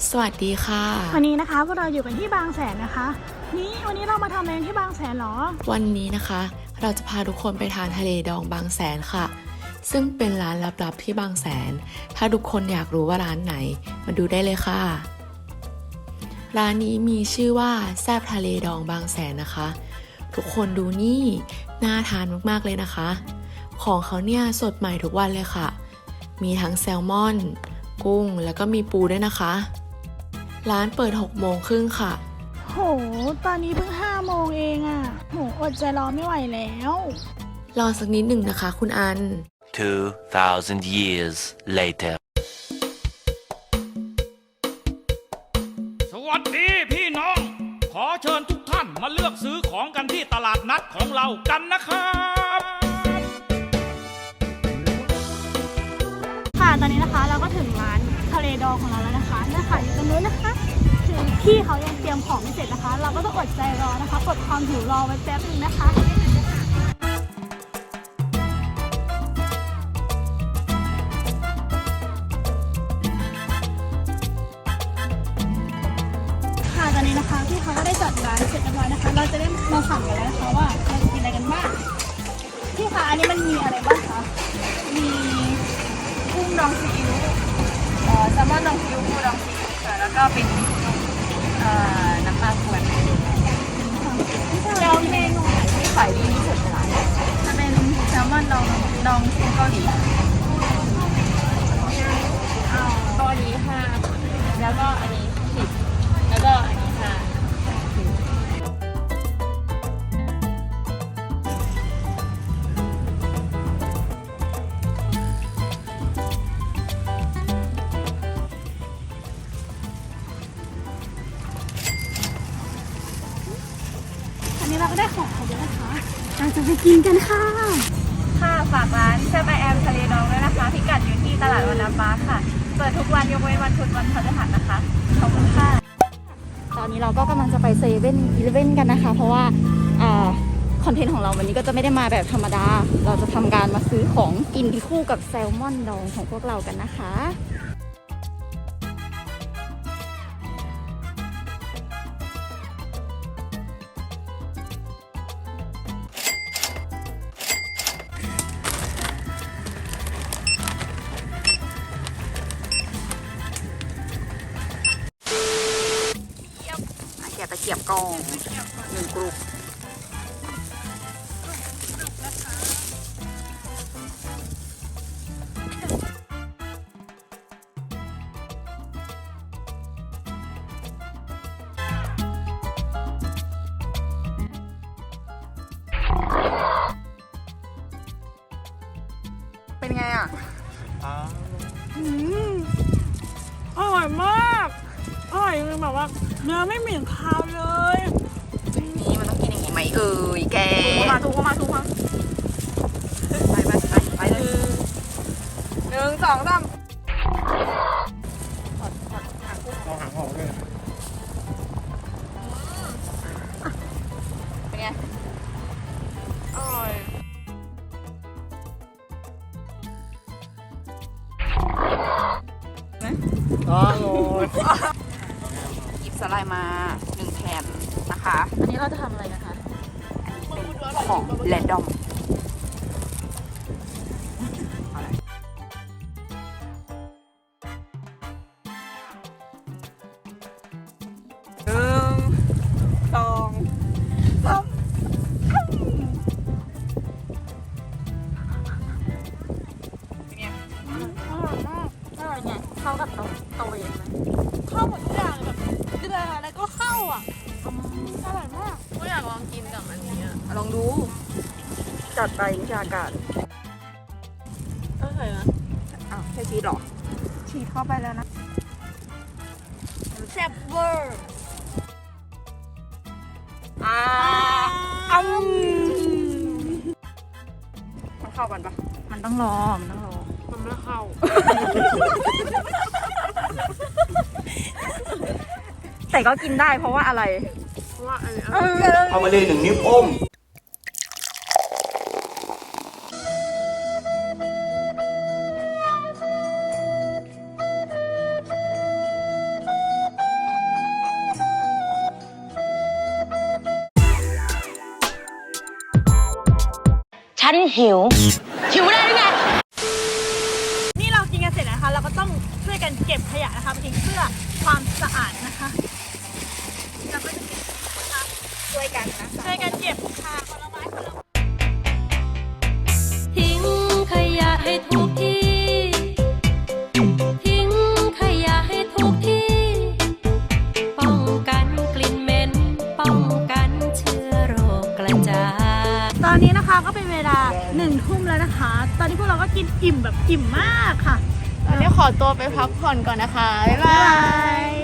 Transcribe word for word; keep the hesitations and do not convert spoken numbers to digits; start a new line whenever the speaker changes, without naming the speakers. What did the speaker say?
สวัสดีค่ะ
วันนี้นะคะพวกเราอยู่กันที่บางแสนนะคะนี่วันนี้เรามาทำอะไรที่บางแสนหรอ
วันนี้นะคะเราจะพาทุกคนไปทานทะเลดองบางแสนค่ะซึ่งเป็นร้านลับๆที่บางแสนถ้าทุกคนอยากรู้ว่าร้านไหนมาดูได้เลยค่ะร้านนี้มีชื่อว่าแซ่บทะเลดองบางแสนนะคะทุกคนดูนี่น่าทานมากๆเลยนะคะของเขาเนี่ยสดใหม่ทุกวันเลยค่ะมีทั้งแซลมอนกุ้งแล้วก็มีปูด้วยนะคะร้านเปิดหกโมงครึ่งค่ะ
โหตอนนี้เพิ่งห้าโมงเองอะโหอดใจรอไม่ไหวแล้ว
รอสักนิดหนึ่งนะคะคุณอัน
two thousand years later
สวัสดีพี่น้องขอเชิญทุกท่านมาเลือกซื้อของกันที่ตลาดนัดของเรากันนะครับ
ค่ะตอนนี้นะคะเราก็ถึงร้านทะเลดองของเราแล้วนะคะนี่ค่ะอยู่ตรงนู้นนะคะคือพี่เขายังเตรียมของไม่เสร็จนะคะเราก็ต้องอดใจรอนะคะกดความหิวรอไว้แป๊บนึงนะคะค่ะตอนนี้นะคะพี่เขาก็ได้จัดร้านเสร็จเรียบร้อยนะคะเราจะได้มาสั่งกันแล้วนะคะว่าเราจะกินอะไรกันบ้างพี่คะอันนี้มันมีอะไรบ้างคะมีกุ้งดองซีอิ๊วเอ่อแซลมอนดองซีอิ๊วปูดองซีอิ๊วค่ะแล้วก็เป็นเอ่อน้ำปลาขวดแล้วเมนูไหนที่ขายดีที่สุดในร้านจะเป็นแซลมอนดองดองซีอิ๊วเกาหลีเอาตัวนี้ค่ะแล้วก็อันนี้สิบแล้วก็อันนี้ค่ะอันนี้เราก็ได้ของครบแล้วนะคะเราจะไปกินกันค่ะค่ะฝากร้านเชฟไอแอมทะเลดองด้วยนะคะพิกัดอยู่ที่ตลาดวันน้ำฟ้าค่ะเปิดทุกวันยกเว้นวันพุธวันพฤหัสนะคะขอบคุณค่ะตอนนี้เราก็กำลังจะไปเซเว่นอีเลฟเว่นกันนะคะเพราะว่าคอนเทนต์ของเราวันนี้ก็จะไม่ได้มาแบบธรรมดาเราจะทำการมาซื้อของกินที่คู่กับแซลมอนดองของพวกเรากันนะคะเกียบตะเกียบกองหนึ่งกรุ๊ปเป็นไงอ่ะอืมอร่อยมากอร่อยคือแบบว่าเนื้อไม่เหม็นคาวเลยนี่มันต้องกินอย่างนี้ไหมเอ่ยแกทุกมาทุกมาทุกมาไปไปไปไปเลยหนึ่งสองสามถอดถอดหางกุ้งเอาหางออกเลยเป็นไงอร่อย
อร่อย
หยิบสไลด์มาหนึ่งแผ่นนะคะอันนี้เราจะทำอะไรนะคะเป็นของแรนดอมหนึ่งสองสามเป็นไงอร่อยมากอร่อยไงเข้ากับตัวตัวเองไหมเข้าหมดทุกอย่างแบบเดือดอะไรก็เข้าอ่ะอร่อยมากก็อยากลองกินกับอันนี้อ่ะลองดูจัดไปวิชาการอร่อยนะอ้าวแค่ชีสหรอชีสเข้าไปแล้วนะแซ่บเวอร์อ่าอืมมันเข้ากันปะมันต้องรอมันต้องรอมันไม่เข้าแต่ก็กินได้เพราะว่าอะไรเพราะว่าอันนี้
เอามาเลยหนึ่งนิ้วโป้ง
ฉันหิวหิวได้หรือไง
นี่เรากินกันเสร็จแล้วนะคะ เราก็ต้องช่วยกันเก็บขยะนะคะไปทิ้งเพื่อความสะอาดนะคะเราก็จะเก็บนะคะช่วยกันนะช่วยกันเก็บค่ะคนละไม้คนละ
ทิ้งขยะให้ถูกที่ ทิ้งขยะให้ถูกที่ ป้องกันกลิ่นเหม็น ป้องกันเชื้อโรคกระจาย
ตอนนี้นะคะก็เป็นเวลาหนึ่งทุ่มแล้วนะคะ ตอนนี้พวกเราก็กินอิ่มแบบอิ่มมากค่ะ
ตอนนี้ขอตัวไปพักผ่อนก่อนนะคะ บ๊ายบาย